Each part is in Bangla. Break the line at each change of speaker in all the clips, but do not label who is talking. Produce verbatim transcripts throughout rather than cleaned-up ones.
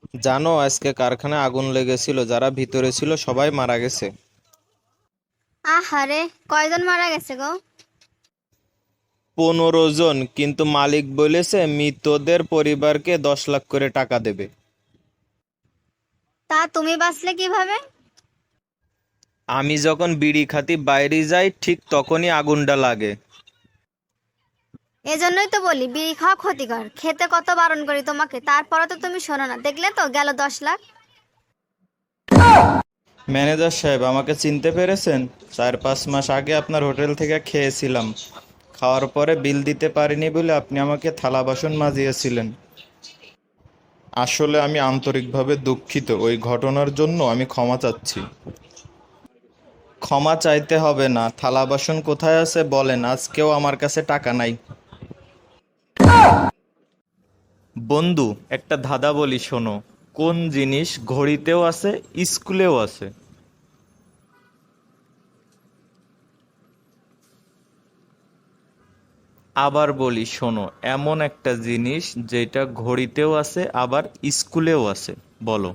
জানো, আজকে কারখানায় আগুন লেগেছিল, যারা ভিতরে ছিল সবাই মারা গেছে।
আহারে, কয়জন মারা গেছে গো?
পনেরো জন, কিন্তু মালিক বলেছে মৃতদের পরিবারকে দশ লাখ করে টাকা দেবে।
তা তুমি বাঁচলে কিভাবে?
আমি যখন বিড়ি খাতি বাইরে যাই ঠিক তখনই আগুনটা লাগে।
এজন্যই তো বলি বিড়ি খাওয়া ক্ষতিকর, খেতে কত বারণ করি তোমাকে, তারপরে তো তুমি শোনো না। দেখলে তো গেল দশ লাখ।
ম্যানেজার সাহেব, আমাকে চিনতে পেরেছেন? চার পাঁচ মাস আগে আপনার হোটেল থেকে খেয়েছিলাম। খাওয়ার পরে বিল দিতে পারিনি বলে আপনি আমাকে থালা বাসন মাজিয়েছিলেন। আসলে আমি আন্তরিকভাবে দুঃখিত, ওই ঘটনার জন্য আমি ক্ষমা চাচ্ছি। ক্ষমা চাইতে হবে না। থালা বাসন কোথায় আছে বলেন, আজকেও আমার কাছে টাকা নাই। বন্ধু, একটা ধাঁধা বলি শোনো। কোন জিনিস ঘড়িতেও আছে, স্কুলেও আছে? আবার বলি শোনো, এমন একটা জিনিস যেটা ঘড়িতেও আছে আবার স্কুলেও আছে। বলো।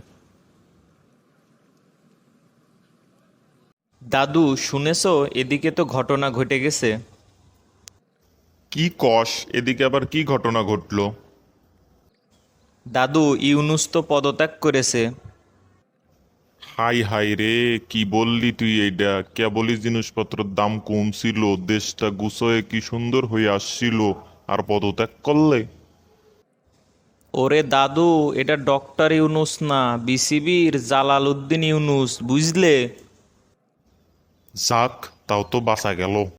দাদু, শুনেছো? এদিকে তো ঘটনা ঘটে গেছে।
কি কস? এদিকে আবার কি ঘটনা ঘটলো?
দাদু, ইউনুস তো পদত্যাগ করেছে।
হাই হাই রে, কি বললি তুই? এইটা কেবলই জিনিসপত্রের দাম কমছিল, দেশটা গুছয়ে কি সুন্দর হয়ে আসছিল, আর পদত্যাগ করলে?
ওরে দাদু, এটা ডক্টর ইউনুস না, বিসিবির জালাল উদ্দিন ইউনুস, বুঝলে?
যাক, তাও তো বাঁচা গেল।